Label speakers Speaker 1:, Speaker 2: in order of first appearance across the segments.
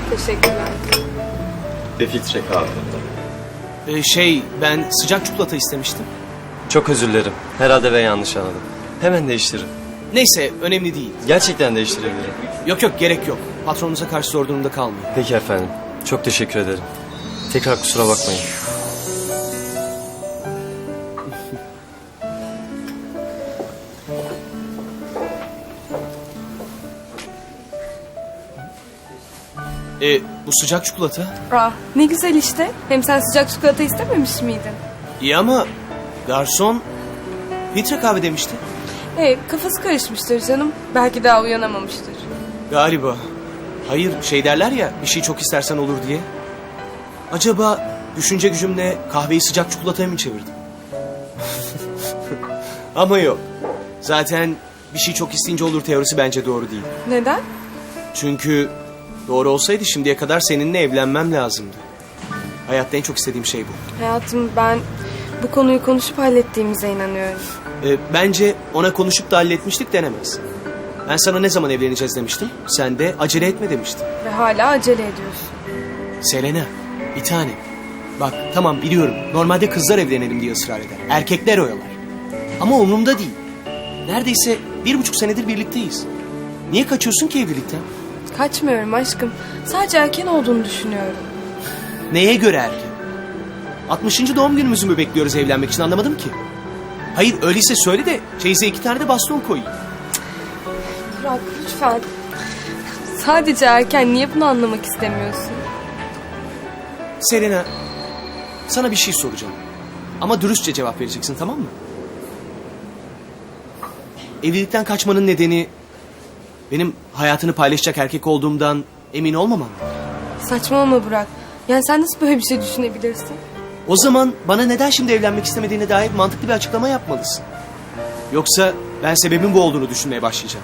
Speaker 1: Teşekkürler.
Speaker 2: Ve filtre kahve.
Speaker 3: Ben sıcak çikolata istemiştim.
Speaker 2: Çok özür dilerim. Herhalde ben yanlış anladım. Hemen değiştiririm.
Speaker 3: Neyse, önemli değil.
Speaker 2: Gerçekten değiştirebilirim.
Speaker 3: Yok, gerek yok. Patronunuza karşı zor durumda kalmayın.
Speaker 2: Peki efendim. Çok teşekkür ederim. Tekrar kusura bakmayın.
Speaker 3: Bu sıcak çikolata.
Speaker 1: Ne güzel işte. Hem sen sıcak çikolata istememiş miydin?
Speaker 3: İyi ama garson filtre kahve demişti.
Speaker 1: Kafası karışmıştır canım. Belki daha uyanamamıştır.
Speaker 3: Galiba. Hayır, derler ya, bir şey çok istersen olur diye. Acaba düşünce gücümle kahveyi sıcak çikolataya mı çevirdim? Ama yok. Zaten bir şey çok isteyince olur teorisi bence doğru değil.
Speaker 1: Neden?
Speaker 3: Çünkü doğru olsaydı şimdiye kadar seninle evlenmem lazımdı. Hayatta en çok istediğim şey bu.
Speaker 1: Hayatım, ben bu konuyu konuşup hallettiğimize inanıyorum.
Speaker 3: Bence ona konuşup da halletmiştik denemez. Ben sana ne zaman evleneceğiz demiştim. Sen de acele etme demiştin.
Speaker 1: Ve hala acele ediyorsun.
Speaker 3: Selena, bir tane. Bak tamam biliyorum. Normalde kızlar evlenelim diye ısrar eder. Erkekler oyalar. Ama umurumda değil. Neredeyse 1,5 senedir birlikteyiz. Niye kaçıyorsun ki evlilikten?
Speaker 1: Kaçmıyorum aşkım. Sadece erken olduğunu düşünüyorum.
Speaker 3: Neye göre erken? 60. doğum günümüzü mü bekliyoruz evlenmek için, anlamadım ki. Hayır öyleyse söyle de çeyize 2 tane de baston koyayım.
Speaker 1: Burak lütfen. Sadece erken, niye bunu anlamak istemiyorsun?
Speaker 3: Selena, sana bir şey soracağım. Ama dürüstçe cevap vereceksin, tamam mı? Evlilikten kaçmanın nedeni benim hayatını paylaşacak erkek olduğumdan emin olmamam mı?
Speaker 1: Saçmalama Burak. Yani sen nasıl böyle bir şey düşünebilirsin?
Speaker 3: O zaman bana neden şimdi evlenmek istemediğine dair mantıklı bir açıklama yapmalısın. Yoksa ben sebebin bu olduğunu düşünmeye başlayacağım.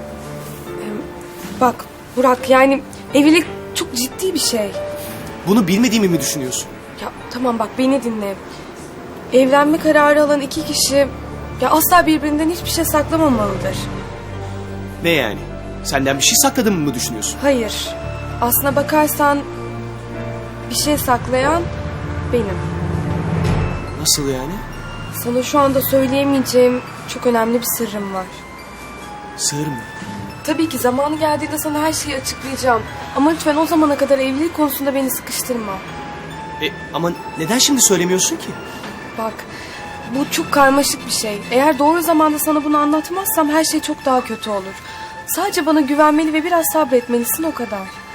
Speaker 1: Bak Burak, yani evlilik çok ciddi bir şey.
Speaker 3: Bunu bilmediğimi mi düşünüyorsun?
Speaker 1: Ya tamam bak, beni dinle. Evlenme kararı alan iki kişi asla birbirinden hiçbir şey saklamamalıdır.
Speaker 3: Ne yani? Senden bir şey sakladığımı mı düşünüyorsun?
Speaker 1: Hayır. Aslına bakarsan bir şey saklayan benim.
Speaker 3: Nasıl yani?
Speaker 1: Sana şu anda söyleyemeyeceğim çok önemli bir sırrım var.
Speaker 3: Sır mı?
Speaker 1: Tabii ki zamanı geldiğinde sana her şeyi açıklayacağım. Ama lütfen o zamana kadar evlilik konusunda beni sıkıştırma.
Speaker 3: Ama neden şimdi söylemiyorsun ki?
Speaker 1: Bak, bu çok karmaşık bir şey. Eğer doğru zamanda sana bunu anlatmazsam her şey çok daha kötü olur. Sadece bana güvenmeli ve biraz sabretmelisin, o kadar.